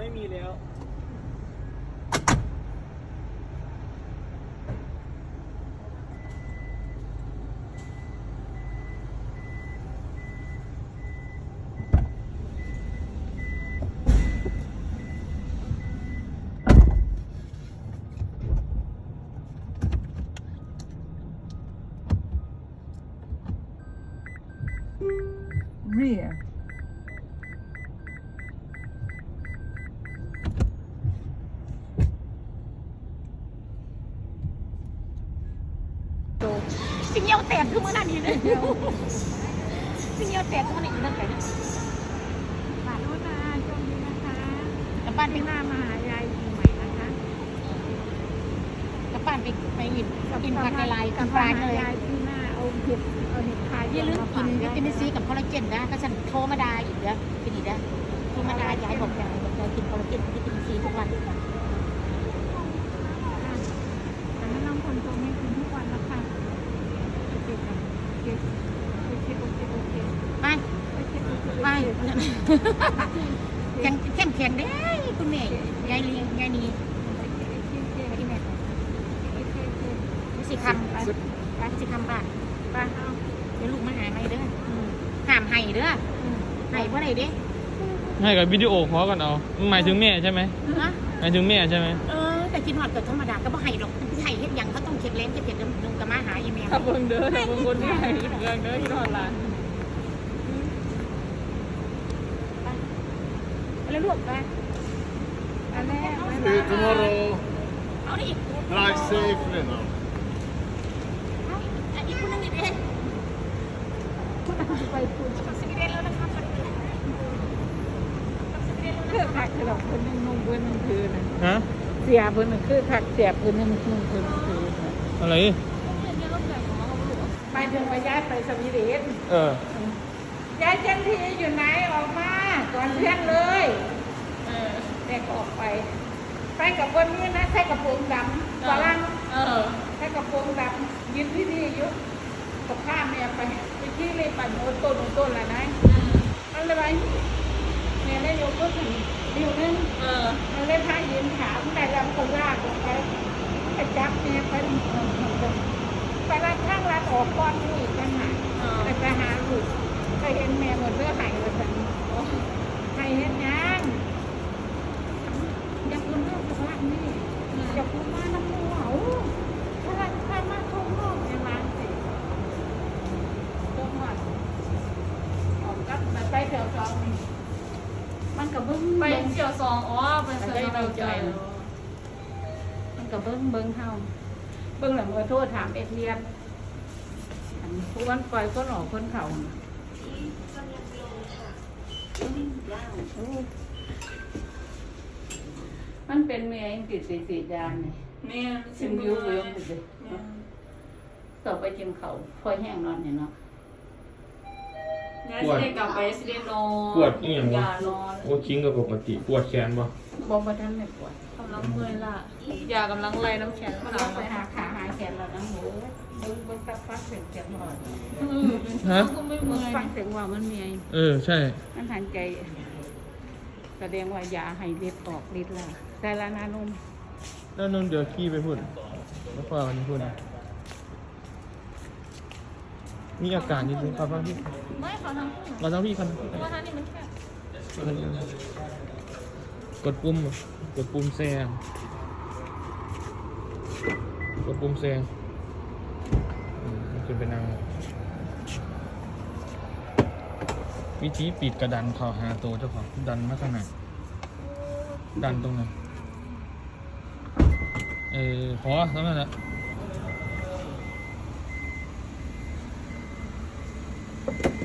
ไม่มีแล้ว rear สิ่งเยี่ยวแตกขึ้นมาหน้านี้เลยสิ่งเยี่ยวแตกขึ้นมาหน้านี้เลยฝากด้วยนะช่วงนี้นะคะกลับบ้านไปหน้ามาหายายปีใหม่นะคะกลับบ้านไปกินผักละลายกินปลาเลยยายที่หน้าเอาเห็ดขายอย่าลืมกินวิตามินซีกับคอลลาเจนนะก็ฉันโทรมาดาอีกแล้วเป็นอีกแล้วโทรมาดายายบอกยายกินคอลลาเจนวิตามินซีทุกวันแต่ไม่ต้องคนโทรไม่กินทุกวันแล้วค่ะไปเข้มแข็งได้คุณแม่ยายเลี้ยงยายนีสิคำไปสิคำบ้านไปเดี๋ยวลูกมาหาไม่เด้อห้ามให้เด้อให้เพราะอะไรเด้ให้กับวิดีโอขอกันเอาหมายถึงแม่ใช่ไหมหมายถึงแม่ใช่ไหมแต่กินหอดเกิดธรรมดาก็บ่ให้หรอกให้เฮ็ดยังเขาต้องเค็ดเล้งเค็ดลุงกับมาหาอีเมลถ้าเบิ่งเด้อถ้าเบิ่งคนที่ให้เบิ่งเด้อที่นอนหลานแล้วลูกไปอันแรก See you tomorrow. เอาดิ Drive safely now. อันนี้คุณนึงอีกเองไปคุณสวีเดนแล้วนะครับเพื่อผักกระดกคนนึงนุ่งเพื่อนนึงคืนฮะเสียเพื่อนนึงคือผักเสียเพื่อนนึงนุ่งเพื่อนนึงคืนอะไรไปถึงว่าย้ายไปสวีเดน ย้ายเจ้าที่อยู่ไหนออกมาก่อนเพื่อนเลยเด็กออกไปกับคนนี้นะใส่กระโปรงดำฝรั่งใส่กระโปรงดำยืนที่นี่ยุกับข้าเมียไปที่เลยปั่นโอต้นละนะอะไรไปเนี่ยได้ยกก็ถึงดิวนึงมันเลยพายืนถามแต่ลำคนลากลงไปจับเนี่ยไปรัดข้างรัดออกก้อนนี่อีกจังหวะไปหาลูกเคยเห็นแม่หมดเรื่องหายไปสั่งใครเห็นยังอย่าพูดเรื่องสภาพนี่อย่าพูดมาน้ำมูเหาถ้ามาทุ่งนอกในร้านสิต้มหมัดออกกับมาไปเที่ยวซองมันกับเบิ้งไปเที่ยวซองไปเที่ยวเราใจมันกับเบิ้งเฮาเบิ้งหลังมือโทษถามเรียนผู้วันปล่อยคนออกคนเข่ามันเป็นเมียติดสีดานนี่แม่ชิมวิวเลยต่อไปชิมเขาพอแห้งนอนเนี่ยเนาะย้ายสิได้กลับไปสิได้นอนปวดอีหยังวะนอนโอ้คิงกับปกติปวดแขนบ่บ่ทันไม่ปวดกำลังเมื่อยล่ะยากำลังไล่น้ำแข็งมันขาไปหาขาหาแขนแล้วนะโหเบิ้งตับฟักเสียงแขนหน่อยฮะก็ไม่เมื่อยฟังเสียงว่ามันมีใช่มันทันใจแสดงว่ายาให้ฤทธิ์ออกฤทธิ์แล้วแต่ละนานุ่มแล้วนนเดี๋ยวขี่ไปพุ่นแล้วฟ้าวันนี้พุ่นมีอาการนิดนึงครับพี่ไม่เขาทำเราต้องพี่คันเพราะว่าท่านนี่มันแค่กดปุ่มแซงกดปุ่มแซงมันจะเป็นวิธีปิดกระดันเข่าหาตัวเจ้าของดันมาขนาดดันตรงนั้นพอแล้วนั่นแหละ